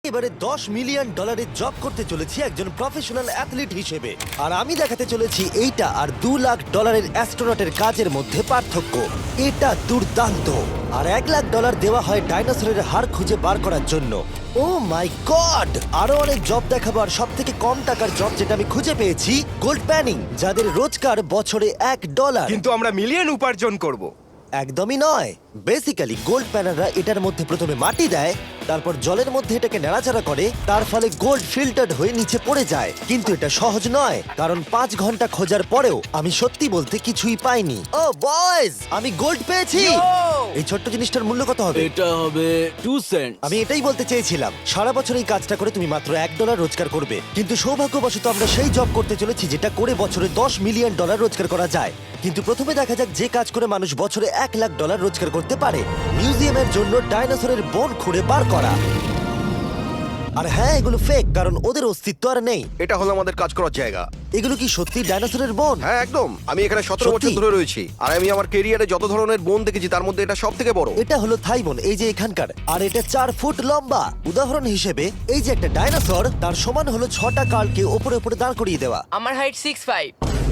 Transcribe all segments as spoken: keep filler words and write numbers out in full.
এবারে দশ মিলিয়ন ডলারের জব করতে চলেছি একজন প্রফেশনাল অ্যাথলিট হিসেবে, আর আমি দেখাতে চলেছি এইটা আর দু লাখ ডলারের অ্যাস্ট্রোনটের কাজের মধ্যে পার্থক্য। এটা দুর্দান্ত। আর এক লাখ ডলার দেওয়া হয় ডাইনোসরের হাড় খুঁজে বার করার জন্য। Oh my god! আরো অনেক জব দেখাবো, আর সব থেকে কম টাকার জব যেটা আমি খুঁজে পেয়েছি, গোল্ড প্যানিং, যাদের রোজগার বছরে এক ডলার। কিন্তু আমরা মিলিয়ন উপার্জন করব। একদমই নয়। বেসিক্যালি গোল্ড প্যানাররা এটার মধ্যে প্রথমে মাটি দেয়, তারপর জলের মধ্যে এটাকে নাড়াচাড়া করে, তার ফলে গোল্ড ফিল্টার্ড হয়ে নিচে পড়ে যায়। কিন্তু এটা সহজ নয়, কারণ পাঁচ ঘন্টা খোঁজার পরেও আমি সত্যি বলতে কিছুই পাইনি। ও বয়েজ, আমি গোল্ড পেয়েছি। এই ছোট্ট জিনিসটার মূল্য কত হবে? এটা হবে টু সেন্ট। আমি এটাই বলতে চেয়েছিলাম। সারা বছর এই কাজটা করে তুমি মাত্র এক ডলার রোজগার করবে, কিন্তু সৌভাগ্যবশত আমরা সেই জব করতে চলেছি যেটা করে বছরে দশ মিলিয়ন ডলার রোজগার করা যায়। কিন্তু প্রথমে দেখা যাক যে কাজ করে মানুষ বছরে এক লাখ ডলার রোজগার করতে পারে। মিউজিয়ামের জন্য ডাইনোসরের বোন খুঁড়ে বার করা। আর হ্যাঁ, এগুলো ফেক, কারণ ওদের অস্তিত্ব আর নেই। এটা হলো আমাদের কাজ করার জায়গা। এগুলো কি সত্যি ডাইনোসরের বোন? হ্যাঁ একদম। আমি এখানে সতেরো সত্যি? বছর ধরে রয়েছি, আর আমি আমার কেরিয়ারে যত ধরনের বোন দেখেছি তার মধ্যে এটা সব থেকে বড়। এটা হলো থাইবন, এই যে এখানকার, আর এটা চার ফুট লম্বা। উদাহরণ হিসেবে এই যে একটা ডাইনোসর, তার সমান হলো ছটা কালকে ওপরে ওপরে দাঁড় করিয়ে দেওয়া। আমার হাইট সিক্স ফাইভ।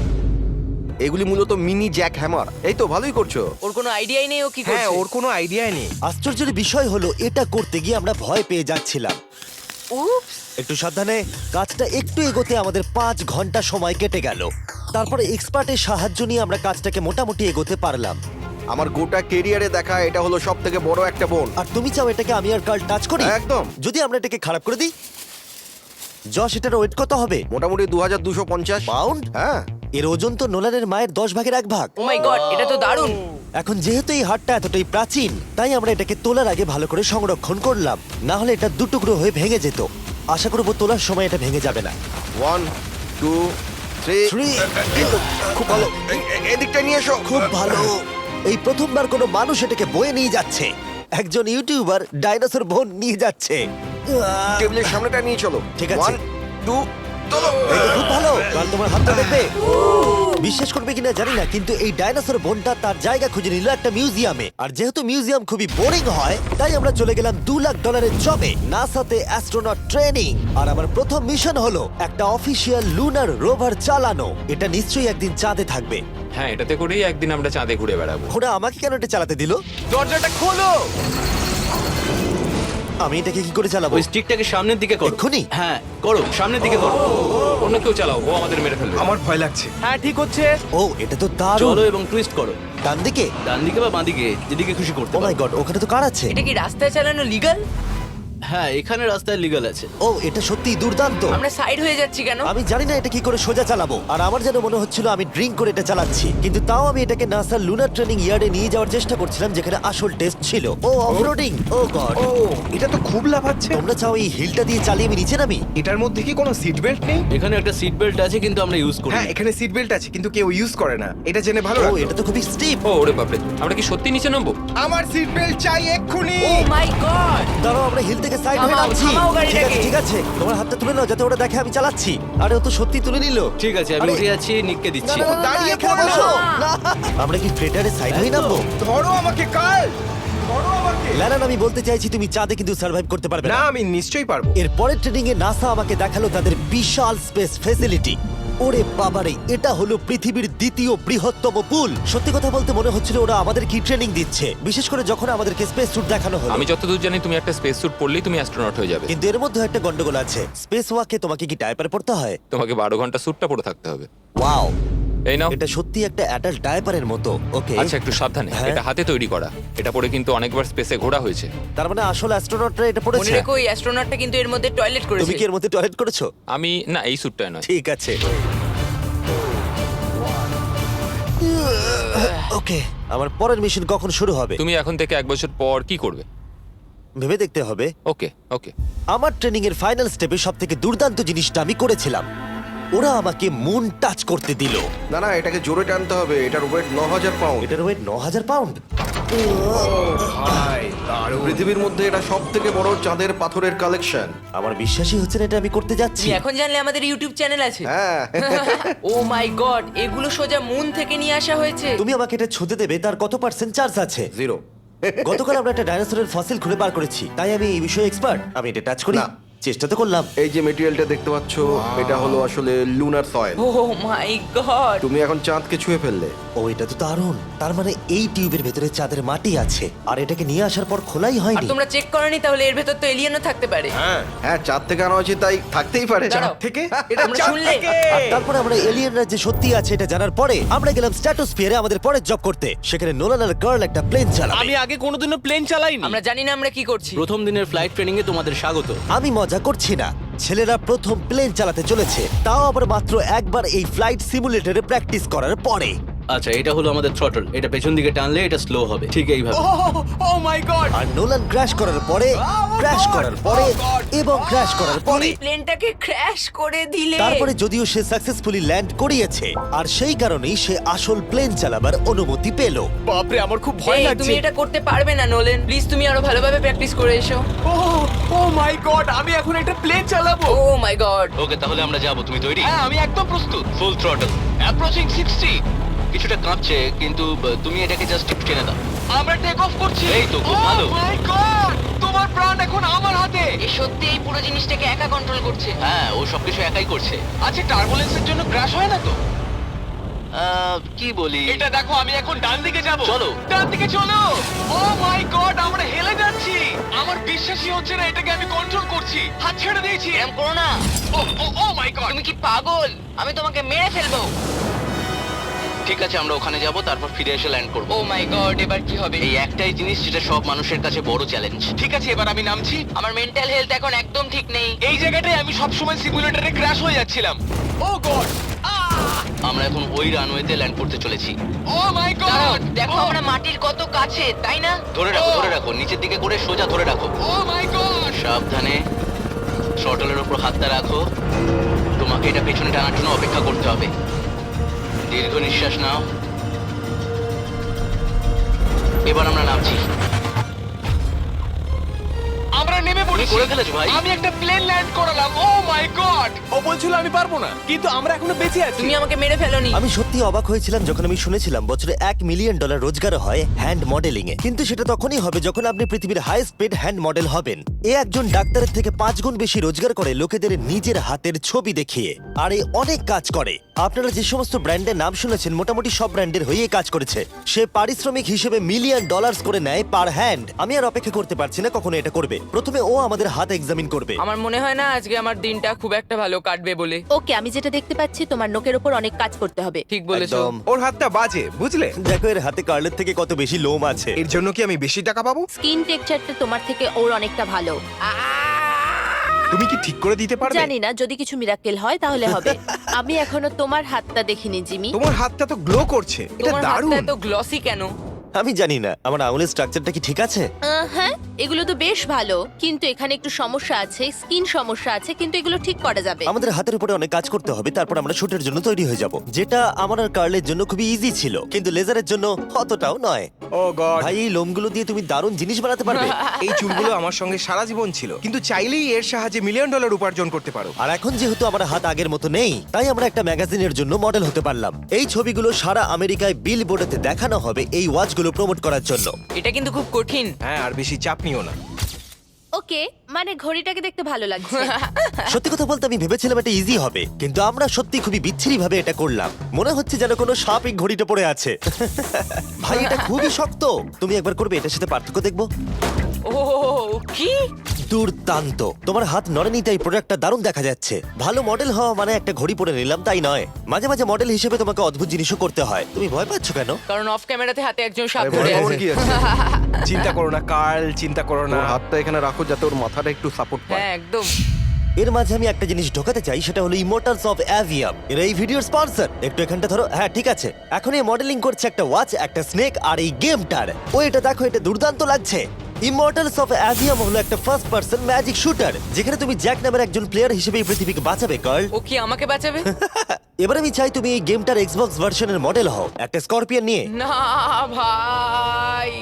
এগুলি মূলত মিনি জ্যাক হ্যামার। এই তো ভালোই করছো। ওর কোনো আইডিয়াই নেই ও কি হ্যাঁ, করছে। ওর কোনো আইডিয়া নেই। আশ্চর্যের বিষয় হলো এটা করতে গিয়ে আমরা ভয় পেয়ে যাচ্ছিলাম। উপস। একটু সাবধানে। কাজটা একটু এগোতে আমাদের পাঁচ ঘন্টা সময় কেটে গেল। তারপরে এক্সপার্টের সাহায্য নিয়ে আমরা কাজটাকে মোটামুটি এগোতে পারলাম। আমার গোটা কেরিয়ারে দেখা এটা হলো সব থেকে বড় একটা বোন। আর তুমি চাও এটাকে আমি আর কাল টাচ করি? একদম। যদি আমরা এটাকে খারাপ করে দিই? যশ, এটার ওয়েট কত হবে? মোটামুটি দু হাজার দুশো পঞ্চাশ পাউন্ড? হ্যাঁ। এর ওজন তো নোলানের মায়ের দশ ভাগের এক ভাগ। ও মাই গড, এটা তো দারুণ। এখন যেহেতু এই হাটটা এতটাই প্রাচীন, তাই আমরা এটাকে তোলার আগে ভালো করে সংরক্ষণ করলাম, না হলে এটা দুটুকরো হয়ে ভেঙে যেত। আশা করবো তোলার সময় এটা ভেঙে যাবে না। One two three Three. খুব ভালো। এ- এ- এদিকটা নিয়ে এসো। খুব ভালো। এই প্রথমবার কোনো মানুষ এটাকে বয়ে নিয়ে যাচ্ছে। একজন ইউটিউবার ডাইনোসর বোন নিয়ে যাচ্ছে। আহ, টেবিলের সামনেটা নিয়ে চলো। ঠিক আছে। ওয়ান টু চলো। এই তো খুব ভালো। কাল তোমার হাতটা দেখবে। বিশ্বাস করবে কিনা জানি না, কিন্তু এই ডাইনোসর বোনটা তার জায়গা খুঁজে নিল একটা মিউজিয়ামে। আর যেহেতু মিউজিয়াম খুবই বোরিং হয়, তাই আমরা চলে গেলাম দু লাখ ডলারের জবে, নাসাতে অ্যাস্ট্রোনট ট্রেনিং। আর আমার প্রথম মিশন হলো একটা অফিসিয়াল লুনার রোভার চালানো। এটা নিশ্চয়ই একদিন চাঁদে থাকবে। হ্যাঁ, এটাতে করেই একদিন আমরা চাঁদে ঘুরে বেড়াবো। ওরা আমাকে কেন এটা চালাতে দিল? দরজাটা খোলো। আমি এটাকে কি করে চালাবো? ওই স্টিকটাকে সামনের দিকে করো। এক্ষুনি? হ্যাঁ করো, সামনের দিকে করো। অন্য কেউ চালাও, ও আমাদের মেরে ফেলবে। আমার ভয় লাগছে। হ্যাঁ ঠিক হচ্ছে। ও, এটা তো দারুণ। চলো এবং টুইস্ট করো, ডান দিকে? ডান দিকে বা বাঁ দিকে, যেদিকে খুশি করতে ও মাই পারো। গড, ওখানে তো কার আছে? এটা কি রাস্তায় চালানো লিগাল? হ্যাঁ, এখানে রাস্তায় লিগ্যাল আছে। ও, এটা সত্যিই দুর্দান্ত। আমরা সাইড হয়ে যাচ্ছি কেন? আমি জানি না এটা কি করে সোজা চালাবো, আর আমার যেন মনে হচ্ছিল আমি ড্রিঙ্ক করে এটা চালাচ্ছি। কিন্তু তাও আমি এটাকে নাসার লুনার ট্রেনিং ইয়ার্ডে নিয়ে যাওয়ার চেষ্টা করছিলাম, যেখানে আসল টেস্ট ছিল। ও অফরোডিং। ও গড। ও, এটা তো খুব লাফাচ্ছে। তোমরা চাও এই হিলটা দিয়ে চালিয়ে আমি নিচে নামি? এটার মধ্যে কি কোনো সিট বেল্ট নেই? এখানে একটা সিট বেল্ট আছে, কিন্তু আমরা ইউজ করি হ্যাঁ, না। এখানে সিট বেল্ট আছে কিন্তু কেউ ইউজ করে না। এটা জেনে ভালো ও, লাগলো। এটা তো খুবই স্টিপ। ও ওরে বাপরে, আমরা কি সত্যি নিচে নামবো? আমার সিট বেল্ট চাই এক্ষুনি। Oh my god. দাঁড়াও, আমরা হিল থেকে সাইড হয়ে থামাও, নামছি। থামাও গাড়িটাকে। ঠিক আছে, ঠিক আছে, তোমার হাতটা তুলে নাও যাতে ওরা দেখে আমি চালাচ্ছি। আরে ও তো সত্যি তুলে নিল। ঠিক আছে, আমি আরে- উঠে যাচ্ছি, নিককে না, দিচ্ছি। না, না, না, দাঁড়িয়ে এখানে পড়ো। বসো। না। আমরা কি ফ্রেটারে সাইড হয়ে নামবো? ধরো আমাকে কাল। ধরো আমাকে। ল্যানান, আমি বলতে চাইছি তুমি চাঁদে কিন্তু সার্ভাইভ করতে পারবে না, না। আমি নিশ্চয়ই পারবো। এর পরের ট্রেনিং এ নাসা আমাকে দেখালো তাদের বিশাল স্পেস ফেসিলিটি। ওরে বাবারে, এটা হলো পৃথিবীর দ্বিতীয় বৃহত্তম পুল। সত্যি কথা বলতে মনে হচ্ছিল ওরা আমাদের কি ট্রেনিং দিচ্ছে, বিশেষ করে যখন আমাদেরকে স্পেস স্যুট দেখানো হলো। আমি যতদূর জানি তুমি একটা স্পেস স্যুট পরলেই তুমি অ্যাস্ট্রোনট হয়ে যাবে। কিন্তু এর মধ্যে একটা গন্ডগোল আছে। স্পেস ওয়াকে তোমাকে কি ডায়পার পড়তে হয়? তোমাকে বারো ঘন্টা স্যুটটা পরে থাকতে হবে। ওয়াও, এই নাও। এটা সত্যি একটা অ্যাডাল্ট ডায়পারের মতো। ওকে, আচ্ছা, একটু সাবধানে। হ্যাঁ। এটা হাতে তৈরি করা। এটা পরে কিন্তু অনেকবার স্পেসে ঘোরা হয়েছে। তার মানে আসল অ্যাস্ট্রোনটরা এটা মনে পড়েছে। রেখো এই অ্যাস্ট্রোনটটা কিন্তু এর মধ্যে টয়লেট করেছে। তুমি কি এর মধ্যে টয়লেট করেছো? আমি না, এই স্যুটটাই নয়। ঠিক আছে। ওকে, আমার পরের মিশন কখন শুরু হবে তুমি এখন থেকে এক বছর পর কি করবে? ভেবে দেখতে হবে। ওকে ওকে। আমার ট্রেনিং এর ফাইনাল স্টেপে সব থেকে দুর্দান্ত জিনিসটা আমি করেছিলাম। ওরা আমাকে মুন টাচ করতে দিল। না না, এটাকে জোরে টানতে হবে। এটার ওয়েট ন হাজার পাউন্ড। এটার ওয়েট ন হাজার পাউন্ড। ভাই, দারুণ। পৃথিবীর মধ্যে এটা সব থেকে বড় চাঁদের পাথরের কালেকশন। আমার বিশ্বাসই হচ্ছে না এটা আমি করতে যাচ্ছি। তুমি এখন জানলে আমাদের ইউটিউব চ্যানেল আছে। হ্যাঁ। ও মাই গড, এগুলো সোজা মুন থেকে নিয়ে আসা হয়েছে। তুমি আমাকে এটা ছুঁতে দেবে, তার কত পার্সেন্ট চার্জ আছে? জিরো। গতকাল আমরা একটা ডাইনোসরের ফসিল খুঁজে বার করেছি, তাই আমি এই বিষয়ে এক্সপার্ট। আমি এটা টাচ করি। না। চেষ্টা তো করলাম। এই যে মেটেরিয়ালটা দেখতে পাচ্ছ, এটা হলো আসলে lunar soil. Oh my god তুমি এখন চাঁদকে ছুঁয়ে ফেললে। ও এটা তো দারুণ। তার মানে এই টিউবের ভেতরে চাঁদের মাটি আছে আর এটাকে নিয়ে আসার পর খোলাই আর হয়নি। তোমরা চেক করনি তাহলে এর ভেতর তো এলিয়েনও থাকতে পারে। হ্যাঁ হ্যাঁ, চাঁদ থেকে আনা হয়েছে, তাই থাকতেই পারে। দাঁড়াও। থেকে এটা তোমরা চাঁদ শুনলে? থেকে। আর তারপরে আমরা এলিয়েনরা যে সত্যি আছে এটা জানার পরে আমরা গেলাম স্ট্র্যাটোস্ফিয়ারে আমাদের পরের জব করতে। সেখানে নোলান আর গার্ল একটা প্লেন চালাবে। আমি আগে কোনোদিনও প্লেন চালাইনি। আমরা জানি না আমরা কি করছি। প্রথম দিনের ফ্লাইট ট্রেনিং এ তোমাদের স্বাগত। আমি মজা করছি না, ছেলেরা প্রথম প্লেন চালাতে চলেছে, তাও আবার মাত্র একবার এই ফ্লাইট সিমুলেটরে প্র্যাকটিস করার পরে। আচ্ছা, এটা হলো আমাদের থ্রটল। এটা পেছন দিকে টানলে এটা স্লো হবে, ঠিক এইভাবে। Oh my god! আর নোলান ক্র্যাশ করার পরে, ক্র্যাশ করার পরে এবং ক্র্যাশ করার পরে, তুমি প্লেনটাকে ক্র্যাশ করে দিলে। তারপরে যদিও সে সাকসেসফুলি ল্যান্ড করিয়েছে আর সেই কারণেই সে আসল প্লেন চালাবার অনুমতি পেল। বাপরে, আমার খুব ভয় এই, লাগছে। তুমি এটা করতে পারবে না নোলেন। প্লিজ তুমি আরো ভালোভাবে প্র্যাকটিস করে এসো। ও ও মাই গড, আমি এখন একটা প্লেন চালাবো। ও মাই গড। ওকে, তাহলে আমরা যাব। তুমি তৈরি? হ্যাঁ, আমি একদম প্রস্তুত। Full throttle, approaching sixty. কিছুটা কাঁপছে, কিন্তু আহ, তুমি এটাকে জাস্ট টিপ টেনে দাও। আমরা টেক অফ করছি। এই তো, খুব ভালো। ও মাই গড, তোমার প্রাণ এখন আমার হাতে। এ সত্যি এই পুরো জিনিসটাকে একা কন্ট্রোল করছে। হ্যাঁ, ও সবকিছু একাই করছে। আচ্ছা, টার্বুলেন্সের জন্য ক্র্যাশ হয় না তো? আহ, কি বলি? এটা দেখো, আমি এখন ডান দিকে যাব। চলো। ডান দিকে চলো। ও মাই গড, আমরা হেলে যাচ্ছি। আমার বিশ্বাসই হচ্ছে না এটাকে আমি কন্ট্রোল করছি। হাত ছেড়ে দিয়েছি। এরম করো না। Oh oh oh my god. তুমি কি পাগল? আমি তোমাকে মেরে ফেলবো। ঠিক আছে, আমরা ওখানে যাব, তারপর ফিরে এসে ল্যান্ড করব। ও মাই গড, এবার কি হবে? এই একটাই জিনিস যেটা সব মানুষের কাছে বড় চ্যালেঞ্জ। ঠিক আছে, এবার আমি নামছি। আমার মেন্টাল হেলথ এখন একদম ঠিক নেই। এই জায়গাটায় আমি সব সময় সিমুলেটরে ক্র্যাশ হয়ে যাচ্ছিলাম। ও গড, আমরা এখন ওই রানওয়েতে ল্যান্ড করতে চলেছি। ও মাই দাঁড়াও, গড, দেখো আমরা মাটির কত কাছে, তাই না? ধরে রাখো, ও। ধরে রাখো, নিচের দিকে করে সোজা ধরে রাখো। Oh my god. সাবধানে শটলের উপর হাতটা রাখো। তোমাকে এটা পেছনে টানার জন্য অপেক্ষা করতে হবে। দীর্ঘ নিঃশ্বাস নাও। এবার আমরা নামছি। আমরা নেমে পড়েছি। করে ফেলেছো ভাই। আমি একটা প্লেন ল্যান্ড করালাম। ও মাই গড। ও বলছিল আমি পারবো না, কিন্তু আমরা এখনো বেঁচে আছি। তুমি আমাকে মেরে ফেলোনি। আমি সত্যি অবাক হয়েছিলাম যখন আমি শুনেছিলাম বছরে এক মিলিয়ন ডলার রোজগার হয় হ্যান্ড মডেলিং এ। কিন্তু সেটা তখনই হবে যখন আপনি পৃথিবীর হাইস্ট পেড হ্যান্ড মডেল হবেন। এ একজন ডাক্তারের থেকে পাঁচ গুণ বেশি রোজগার করে লোকেদের নিজের হাতের ছবি দেখিয়ে। আর এ অনেক কাজ করে। আপনারা যে সমস্ত ব্র্যান্ডের নাম শুনেছেন মোটামুটি সব ব্র্যান্ডের হয়েই কাজ করেছে। সে পারিশ্রমিক হিসেবে মিলিয়ন ডলার্স করে নেয় পার হ্যান্ড। আমি আর অপেক্ষা করতে পারছি না কখনো এটা করবে। প্রথমে ও আমাদের হাত এক্সামিন করবে। আমার মনে হয় না আজকে আমার দিনটা খুব একটা ভালো কাটবে বলে। ওকে, আমি যেটা দেখতে পাচ্ছি তোমার নোকের ওপর অনেক কাজ করতে হবে। ঠিক বলেছো। একদম। ওর হাতটা বাজে, বুঝলে? দেখো এর হাতে কার্লের থেকে কত বেশি লোম আছে। এর জন্য কি আমি বেশি টাকা পাবো? স্কিন টেক্সচারটা তোমার থেকে ওর অনেকটা ভালো। তুমি কি ঠিক করে দিতে পারবে? জানি না, যদি কিছু মিরাকেল হয় তাহলে হবে। আমি এখনো তোমার হাতটা দেখিনি জিমি। তোমার হাতটা তো গ্লো করছে। এটা তোমার হাতটা দারুণ। এত গ্লসি কেন? আমি জানি না আমার আঙুলের স্ট্রাকচারটা কি ঠিক আছে। আহ, হ্যাঁ, এগুলো তো বেশ ভালো, কিন্তু এখানে একটু সমস্যা আছে, স্কিন সমস্যা আছে, কিন্তু এগুলো ঠিক করা যাবে। আমাদের হাতের উপরে অনেক কাজ করতে হবে, তারপর আমরা শুটের জন্য তৈরি হয়ে যাব, যেটা আমার আর কার্লের জন্য খুবই ইজি ছিল, কিন্তু লেজারের জন্য অতটাও নয়। Oh god. ভাই এই লোমগুলো দিয়ে তুমি দারুণ জিনিস বানাতে পারবে। এই চুলগুলো আমার সঙ্গে সারা জীবন ছিল, কিন্তু চাইলেই এর সাহায্যে মিলিয়ন ডলার উপার্জন করতে পারো। আর এখন যেহেতু আমার হাত আগের মতো নেই, তাই আমরা একটা ম্যাগাজিনের জন্য মডেল হতে পারলাম। এই ছবিগুলো সারা আমেরিকায় বিল বোর্ডেতে দেখানো হবে এই ওয়াচগুলো প্রমোট করার জন্য। এটা কিন্তু খুব কঠিন। হ্যাঁ, আর বেশি চাপ নিও না। ওকে, মানে ঘড়িটাকে দেখতে ভালো লাগছে। সত্যি কথা বলতে আমি ভেবেছিলাম এটা ইজি হবে, কিন্তু আমরা সত্যি খুবই বিচ্ছিরি ভাবে এটা করলাম। মনে হচ্ছে যেন কোনো সাপ এই ঘড়িটা পড়ে আছে। ভাই এটা খুবই শক্ত। তুমি একবার করবে, এটার সাথে পার্থক্য দেখবো। ও কি দুর্দান্ত। তোমার হাত নড়েনি তাই প্রোডাক্টটা দারুণ দেখা যাচ্ছে। ভালো মডেল হওয়া মানে একটা ঘড়ি পরে নিলাম তাই নয়, মাঝে মাঝে মডেল হিসেবে তোমাকে অদ্ভুত জিনিসও করতে হয়। তুমি ভয় পাচ্ছ কেন? কারণ অফ ক্যামেরাতে হাতে একজন সাপ আরে ধরে ভয় পাওয়ার আছে। কি আছে? চিন্তা করো না কার্ল, চিন্তা করো না। ওর হাতটা এখানে রাখো যাতে ওর মাথাটা একটু সাপোর্ট পায়। হ্যাঁ একদম। এর মাঝে আমি একটা জিনিস ঢোকাতে চাই, সেটা হলো ইমোর্টালস অফ অ্যাভিয়াম। এর এই ভিডিওর স্পন্সর। একটু এখানটা ধরো। হ্যাঁ ঠিক আছে। এখন এই মডেলিং করছে একটা ওয়াচ, একটা স্নেক আর এই গেমটার। ও এটা দেখো, এটা দুর্দান্ত লাগছে। ইমর্টালস অফ অ্যাভিয়াম হলো একটা ফার্স্ট পার্সন ম্যাজিক শুটার, যেখানে তুমি জ্যাক নামের একজন প্লেয়ার হিসেবে এই পৃথিবীকে বাঁচাবে কার্ল। ও কি আমাকে বাঁচাবে? এবার আমি চাই তুমি এই গেমটার এক্সবক্স ভার্সনের মডেল হও, একটা স্করপিয়ন নিয়ে। না ভাই।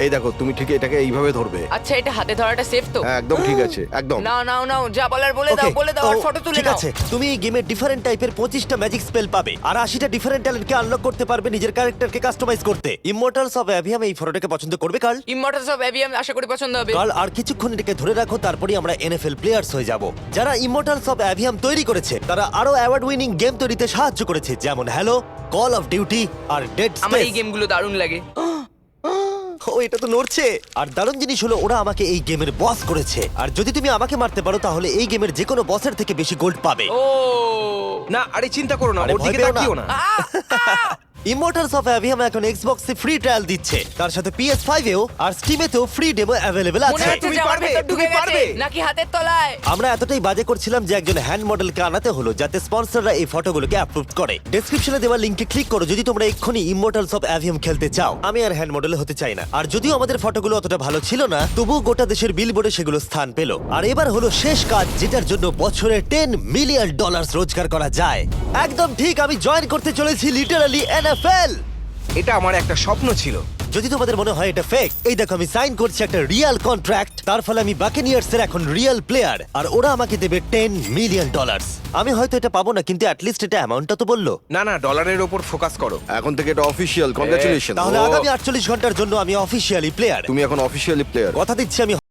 এই দেখো তুমি ঠিক এটাকে এইভাবে ধরবে। আচ্ছা এটা হাতে ধরাটা সেফ তো? হ্যাঁ একদম ঠিক আছে, একদম। না নাও নাও যা বলার বলে দাও Okay, বলে দাও আর ও, ফটো তুলে ঠিক নাও। আছে তুমি এই গেমে ডিফারেন্ট টাইপের পঁচিশটা ম্যাজিক স্পেল পাবে আর আশিটা ডিফারেন্ট ট্যালেন্টকে আনলক করতে পারবে নিজের ক্যারেক্টারকে কাস্টমাইজ করতে। ইমমর্টালস অফ অ্যাভিয়াম এই ফটোটাকে পছন্দ করবে কার্ল? ইমমর্টালস অফ অ্যাভিয়াম আশা করি পছন্দ হবে। কার্ল আর কিছুক্ষণ এটাকে ধরে রাখো, তারপরেই আমরা এনএফএল প্লেয়ার্স হয়ে যাব। যারা ইমমর্টালস অফ অ্যাভিয়াম তৈরি করেছে তারা আরো অ্যাওয়ার্ড উইনিং গেম তৈরিতে সাহায্য করেছে, যেমন হ্যালো, কল অফ ডিউটি আর ডেড আমার এই স্পেস। গেমগুলো দারুণ লাগে। ও এটা তো নড়ছে। আর দারুণ জিনিস হলো ওরা আমাকে এই গেমের বস করেছে, আর যদি তুমি আমাকে মারতে পারো তাহলে এই গেমের যে কোনো বসের থেকে বেশি গোল্ড পাবে। ও না আরে চিন্তা করো না, আরে ওর ভয় দিকে পেও না। তাকিও না। ইমমর্টালস অফ অ্যাভিয়াম এখন এক্সবক্সে ফ্রি ট্রায়াল দিচ্ছে, তার সাথে পি এস ফাইভ এও আর স্টিমেতেও ফ্রি ডেমো অ্যাভেলেবল মনে আছে। হচ্ছে তুমি যে আমার পারবে, ভেতর ঢুকে তুমি গেছে পারবে। নাকি হাতের তলায়। আমরা এতটাই বাজে করছিলাম যে একজন হ্যান্ড মডেলকে আনাতে হলো যাতে স্পন্সররা এই ফটোগুলোকে অ্যাপ্রুভ করে। ডেসক্রিপশনে দেওয়া লিংকে ক্লিক করো যদি তোমরা এক্ষুনি ইমমর্টালস অফ অ্যাভিয়াম খেলতে চাও। আমি আর হ্যান্ড মডেল হতে চাই না, আর যদিও আমাদের ফটোগুলো অতটা ভালো ছিল না তবুও গোটা দেশের বিলবোর্ডে সেগুলো স্থান পেল। আর এবার হলো শেষ কাজ যেটার জন্য বছরে টেন মিলিয়ন ডলার রোজগার করা যায়। একদম ঠিক, আমি জয়েন করতে চলেছি লিটারালি এনএফএল। এটা আমার একটা স্বপ্ন ছিল। যদি তোমাদের মনে হয় এটা ফেক, এই দেখো আমি সাইন করছি একটা রিয়েল কন্ট্রাক্ট, তার ফলে আমি বাকেনিয়ার্স এর এখন রিয়েল প্লেয়ার আর ওরা আমাকে দেবে টেন মিলিয়ন ডলার। আমি হয়তো এটা পাবো না কিন্তু অ্যাটলিস্ট এটা অ্যামাউন্টটা তো বললো। না না ডলারের ওপর ফোকাস করো। এখন থেকে এটা অফিসিয়াল, কংগ্রাচুলেশন। তাহলে আগামী আটচল্লিশ ঘন্টার জন্য আমি অফিসিয়ালি প্লেয়ার। তুমি এখন অফিসিয়ালি প্লেয়ার। কথা দিচ্ছি আমি